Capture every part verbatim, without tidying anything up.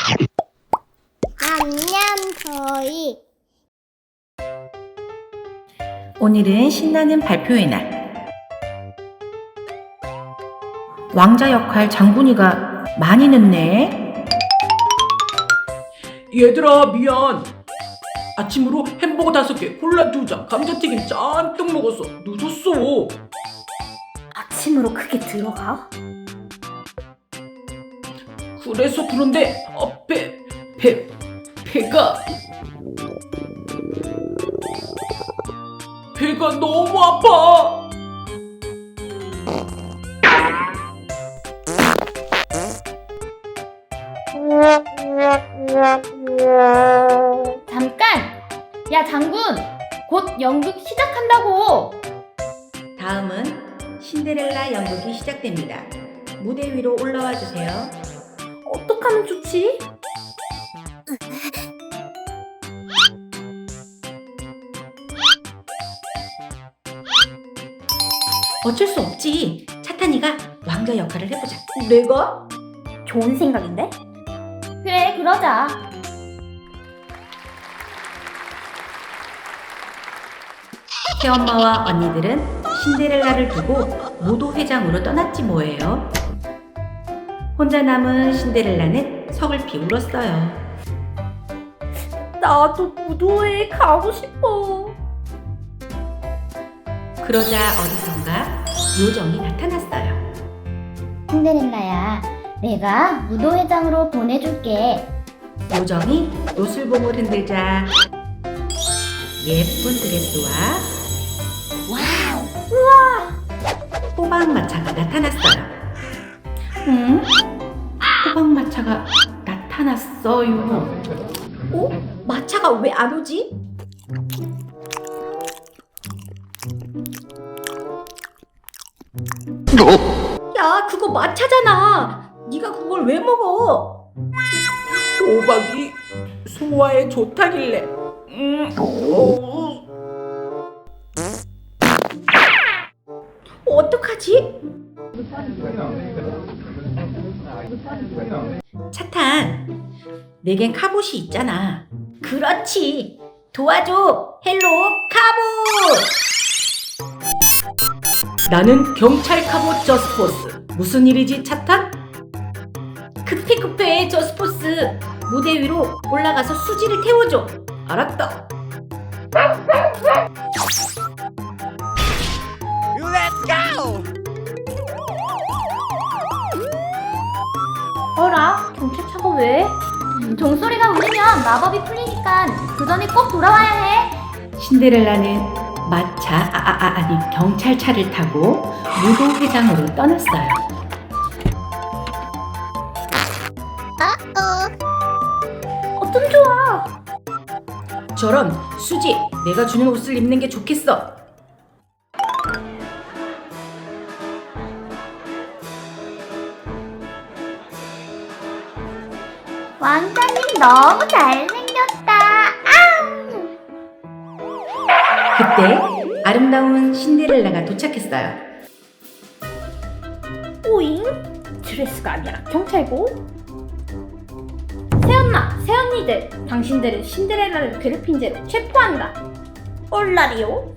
안녕, 저희. 오늘은 신나는 발표의 날. 왕자 역할 장군이가 많이 늦네. 얘들아 미안. 아침으로 햄버거 다섯 개, 콜라 두 잔, 감자튀김 잔뜩 먹었어. 늦었어. 아침으로 그게 들어가? 그래서 그런데 어, 배, 배, 배가 배가 너무 아파. 잠깐! 야 장군! 곧 연극 시작한다고! 다음은 신데렐라 연극이 시작됩니다. 무대 위로 올라와 주세요. 어떡하면 좋지? 어쩔 수 없지. 차탄이가 왕자 역할을 해보자. 내가? 좋은 생각인데? 그래 그러자. 새엄마와 언니들은 신데렐라를 두고 무도회장으로 떠났지 뭐예요. 혼자 남은 신데렐라는 서글피 울었어요. 나도 무도회에 가고 싶어. 그러자 어디선가 요정이 나타났어요. 신데렐라야, 내가 무도회장으로 보내줄게. 요정이 노슬봉을 흔들자 예쁜 드레스와 호박마차가 나타났어요. 응? 호박마차가 나타났어요. 어? 마차가 왜 안 오지? 야 그거 마차잖아. 네가 그걸 왜 먹어? 호박이 소화에 좋다길래. 음, 어, 어떡하지? 차탄, 내겐 카봇이 있잖아. 그렇지. 도와줘. 헬로 카봇. 나는 경찰 카봇 저스포스. 무슨 일이지 차탄? 급해 급해 저스포스. 무대 위로 올라가서 수지를 태워줘. 알았다. 어라? 경찰차가 왜? 음, 종소리가 울리면 마법이 풀리니까 그 전에 꼭 돌아와야 해. 신데렐라는 마차, 아, 아, 아, 아니 경찰차를 타고 무도회장으로 떠났어요. 어쩜 좋아. 저런 수지, 내가 주는 옷을 입는 게 좋겠어. 왕자님 너무 잘생겼다. 그때 아름다운 신데렐라가 도착했어요. 오잉? 드레스가 아니라 경찰고? 새언나, 새언니들, 당신들은 신데렐라를 괴롭힌 죄로 체포한다. 얼라리요?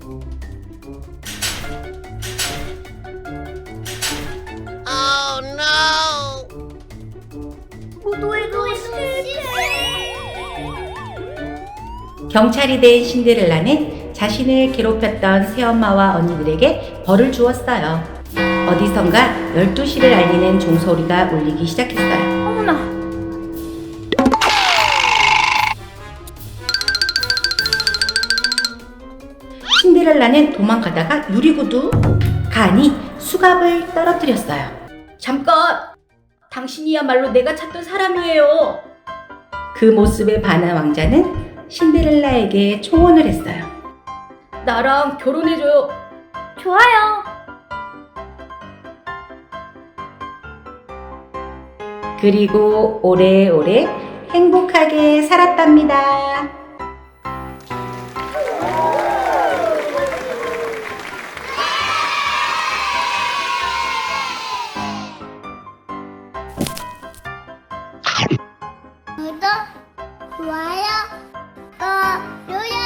무도회도 실패. 경찰이 된 신데렐라는 자신을 괴롭혔던 새엄마와 언니들에게 벌을 주었어요. 어디선가 열두 시를 알리는 종소리가 울리기 시작했어요. 어머나. 신데렐라는 도망가다가 유리구두 간이 수갑을 떨어뜨렸어요. 잠깐! 당신이야말로 내가 찾던 사람이에요. 그 모습에 반한 왕자는 신데렐라에게 초원을 했어요. 나랑 결혼해줘요. 좋아요. 그리고 오래오래 행복하게 살았답니다. 구독, 좋아요, 꼭 눌러